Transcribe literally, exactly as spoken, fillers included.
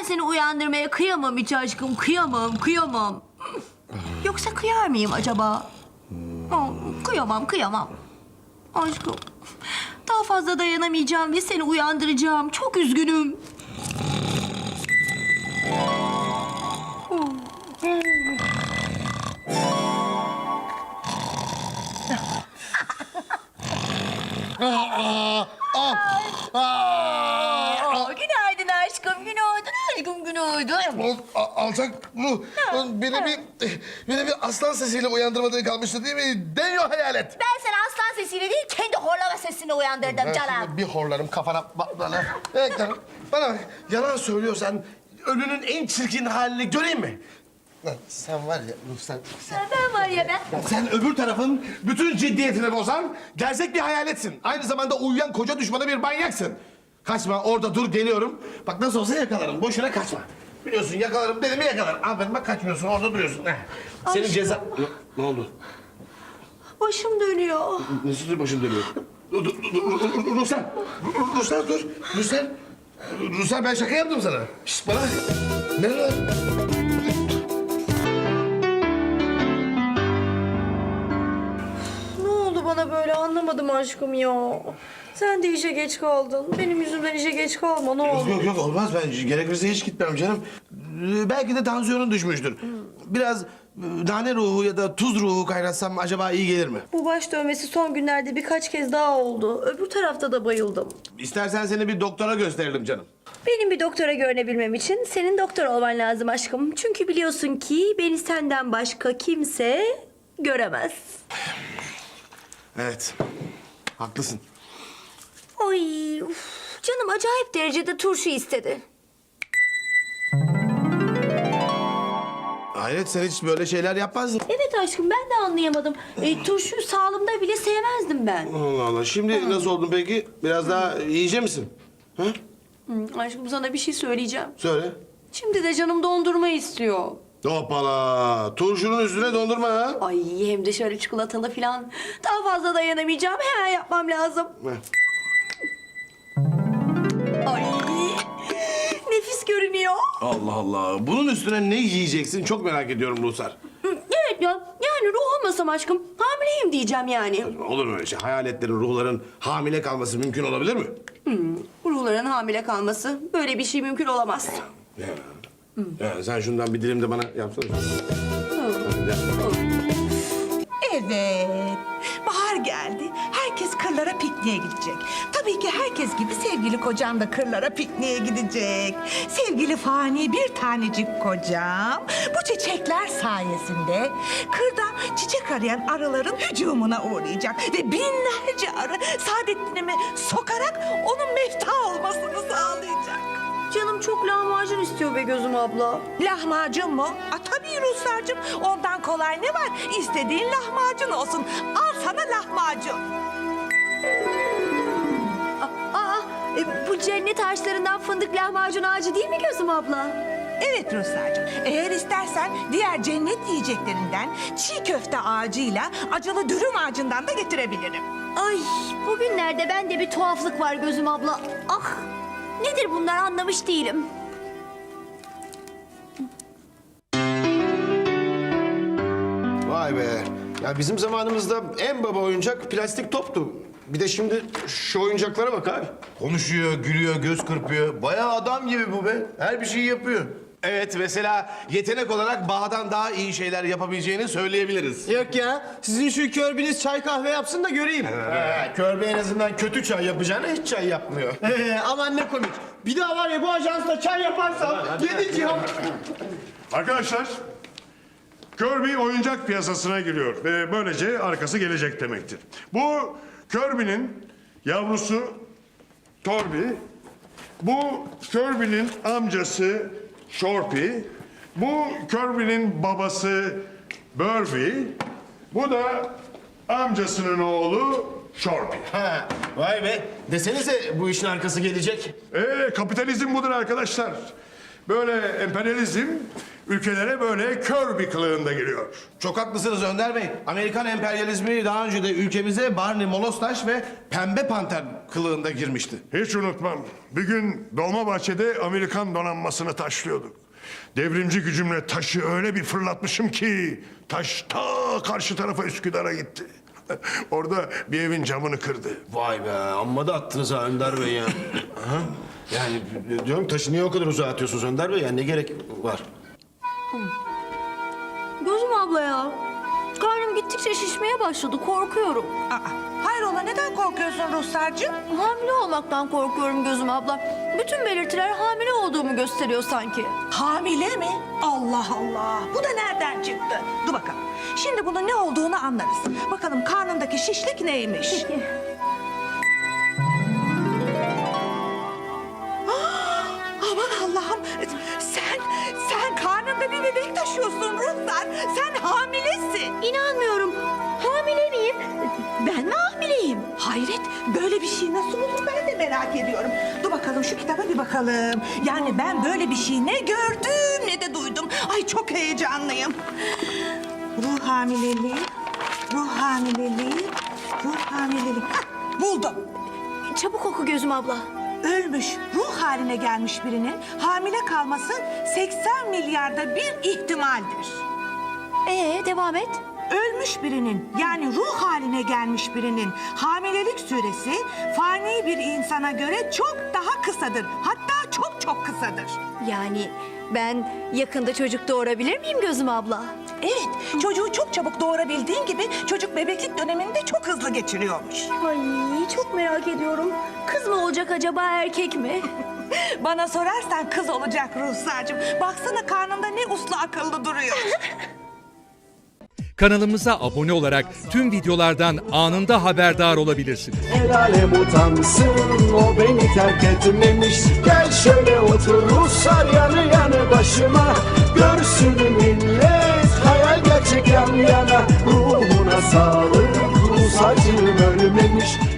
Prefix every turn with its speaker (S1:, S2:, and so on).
S1: seni uyandırmaya kıyamam hiç aşkım. Kıyamam, kıyamam. Yoksa kıyar mıyım acaba? Oh, kıyamam, kıyamam. Aşkım, daha fazla dayanamayacağım ve seni uyandıracağım. Çok üzgünüm. Aa, günaydın aşkım, günaydın aşkım, günaydın.
S2: Al- Alçak ruh. Beni bir, beni bir aslan sesiyle uyandırmadığın kalmıştı değil mi? Deniyor hayalet.
S1: Ben seni aslan sesiyle değil, kendi horlama sesini uyandırdım
S2: Ben
S1: canım.
S2: şimdi bir horlarım kafana bak bana. Evet canım. Bana bak, yalan söylüyorsan ölünün en çirkin halini göreyim mi? Lan sen var ya Ruh sen, sen,
S1: Ben var ya ben.
S2: sen öbür tarafın bütün ciddiyetini bozan gerçek bir hayaletsin. Aynı zamanda uyuyan koca düşmanı bir manyaksın. Kaçma orada dur geliyorum. Bak nasıl olsa yakalarım boşuna kaçma. Biliyorsun yakalarım dedim mi yakalarım. Aferin bak kaçmıyorsun orada duruyorsun. Heh. Senin
S1: Ay,
S2: ceza... Ne, ne oldu?
S1: Başım dönüyor.
S2: Nasıl başın dönüyor? Dur, dur, dur, dur, dur, Ruslan! Ruslan dur! Ruslan! Ruslan ben şaka yaptım sana. Şişt bana! Ne lan?
S1: Ne oldu bana böyle anlamadım aşkım ya. Sen de işe geç kaldın. Benim yüzümden işe geç kalma ne olur.
S2: Yok yok olmaz ben gerekirse hiç gitmem canım. Ee, Belki de tansiyonun düşmüştür. Biraz e, nane ruhu ya da tuz ruhu kaynatsam acaba iyi gelir mi?
S1: Bu baş dövmesi son günlerde birkaç kez daha oldu. Öbür tarafta da bayıldım.
S2: İstersen seni bir doktora gösterelim canım.
S1: Benim bir doktora görünebilmem için senin doktor olman lazım aşkım. Çünkü biliyorsun ki beni senden başka kimse göremez.
S2: Evet. Haklısın.
S1: Ay, uf, canım acayip derecede turşu istedi.
S2: Hayret sen hiç böyle şeyler yapmazdın.
S1: Evet aşkım ben de anlayamadım. E, turşuyu sağlımda bile sevmezdim ben.
S2: Allah Allah. Şimdi nasıl oldun peki? Biraz daha yiyecek misin? Ha?
S1: Hı, aşkım sana bir şey söyleyeceğim.
S2: Söyle.
S1: Şimdi de canım dondurma istiyor.
S2: Hoppala. Turşunun üstüne dondurma ha.
S1: Ay hem de şöyle çikolatalı falan. Daha fazla dayanamayacağım. Hemen yapmam lazım.
S2: Ver.
S1: Ay nefis görünüyor.
S2: Allah Allah. Bunun üstüne ne yiyeceksin çok merak ediyorum Ruhsar.
S1: Hı, evet ya yani ruh olmasam aşkım hamileyim diyeceğim yani.
S2: Olur mu öyle şey? Hayaletlerin, ruhların hamile kalması mümkün olabilir mi?
S1: Ruhların hamile kalması böyle bir şey mümkün olamaz.
S2: Ya. Ya sen şundan bir dilim de bana yapsana.
S3: Evet. Bahar geldi. Herkes kırlara pikniğe gidecek. Tabii ki herkes gibi sevgili kocam da kırlara pikniğe gidecek. Sevgili fani bir tanecik kocam bu çiçekler sayesinde kırda çiçek arayan arıların hücumuna uğrayacak. Ve binlerce arı Saadettin'imi sokarak onun mefta olmasını sağlayacak.
S1: Canım çok lahmacun istiyor be gözüm abla.
S3: Lahmacun mu? Aa, tabii Ruslarcığım. Ondan kolay ne var? İstediğin lahmacun olsun. Al sana lahmacun.
S1: Aa, aa, e, bu cennet ağaçlarından fındık lahmacun ağacı değil mi gözüm abla?
S3: Evet Ruslarcığım. Eğer istersen diğer cennet yiyeceklerinden çiğ köfte ağacıyla acılı dürüm ağacından da getirebilirim.
S1: Ay bugünlerde bende bir tuhaflık var gözüm abla. Ah nedir bunlar anlamış değilim.
S4: Vay be. Ya bizim zamanımızda en baba oyuncak plastik toptu. Bir de şimdi şu oyuncaklara bak abi.
S5: Konuşuyor, gülüyor, göz kırpıyor. Bayağı adam gibi bu be. Her bir şeyi yapıyor.
S2: Evet mesela yetenek olarak Baha'dan daha iyi şeyler yapabileceğini söyleyebiliriz.
S6: Yok ya, sizin şu körbiniz çay kahve yapsın da göreyim.
S5: Ha, Körbe en azından kötü çay yapacağına hiç çay yapmıyor.
S6: Ee, aman ne komik. Bir daha var ya bu ajansla çay yaparsam yedi cihan.
S7: Arkadaşlar, Kirby oyuncak piyasasına giriyor ve böylece arkası gelecek demektir. Bu Kirby'nin yavrusu Torby, bu Kirby'nin amcası Shorpy, bu Kirby'nin babası Burby, bu da amcasının oğlu Shorpy.
S5: Ha, vay be. Desenize bu işin arkası gelecek.
S7: Ee, kapitalizm budur arkadaşlar. Böyle emperyalizm ülkelere böyle kör bir kılığında geliyor.
S2: Çok haklısınız Önder Bey. Amerikan emperyalizmi daha önce de ülkemize Barney Molostaş ve Pembe Panter kılığında girmişti.
S7: Hiç unutmam. Bir gün Dolmabahçe'de Amerikan donanmasını taşlıyorduk. Devrimci gücümle taşı öyle bir fırlatmışım ki taş ta karşı tarafa Üsküdar'a gitti. Orada bir evin camını kırdı.
S4: Vay be, amma da attınız ha Önder Bey ya. Aha. Yani diyorum taşı niye o kadar uzağa atıyorsunuz Önder Bey? Yani ne gerek var?
S1: Gözüm abla ya. Karnım gittikçe şişmeye başladı. Korkuyorum.
S3: Aa, hayrola neden korkuyorsun Ruhsar'cığım?
S1: Hamile olmaktan korkuyorum Gözüm abla. Bütün belirtiler hamile olduğumu gösteriyor sanki.
S3: Hamile mi? Allah Allah. Bu da nereden çıktı? Dur bakalım. Şimdi bunun ne olduğunu anlarız. Bakalım karnındaki şişlik neymiş? Ah, aman Allah'ım. Sen, sen karnında bir bebek taşıyorsun Ruhsar. Sen hamilesin.
S1: İnanmıyorum. Hamile miyim? Ben mi hamileyim?
S3: Hayret, böyle bir şey nasıl olur ben de merak ediyorum. Dur bakalım şu kitaba bir bakalım. Yani ben böyle bir şey ne gördüm ne de duydum. Ay çok heyecanlıyım. Ruh hamileliği, ruh hamileliği, ruh hamileliği. Hah, buldum.
S1: Çabuk oku Gözüm abla.
S3: Ölmüş, ruh haline gelmiş birinin hamile kalması seksen milyarda bir ihtimaldir.
S1: Ee, devam et.
S3: Ölmüş birinin yani ruh haline gelmiş birinin hamilelik süresi fani bir insana göre çok daha kısadır. Hatta çok çok kısadır.
S1: Yani ben yakında çocuk doğurabilir miyim Gözüm abla?
S3: Evet, çocuğu çok çabuk doğurabildiğin gibi çocuk bebeklik dönemini de çok hızlı geçiriyormuş.
S1: Ay çok merak ediyorum. Kız mı olacak acaba erkek mi?
S3: Bana sorarsan kız olacak Ruhsar'cığım. Baksana karnında ne uslu akıllı duruyor.
S8: Kanalımıza abone olarak tüm videolardan anında haberdar olabilirsiniz.
S9: El alem utansın, o beni terk etmemiş. Gel şöyle otur Ruslar yanı yanı başıma. Görsün millet hayal gerçek yan yana. Ruhuna sağlık, Rus acım ölmemiş.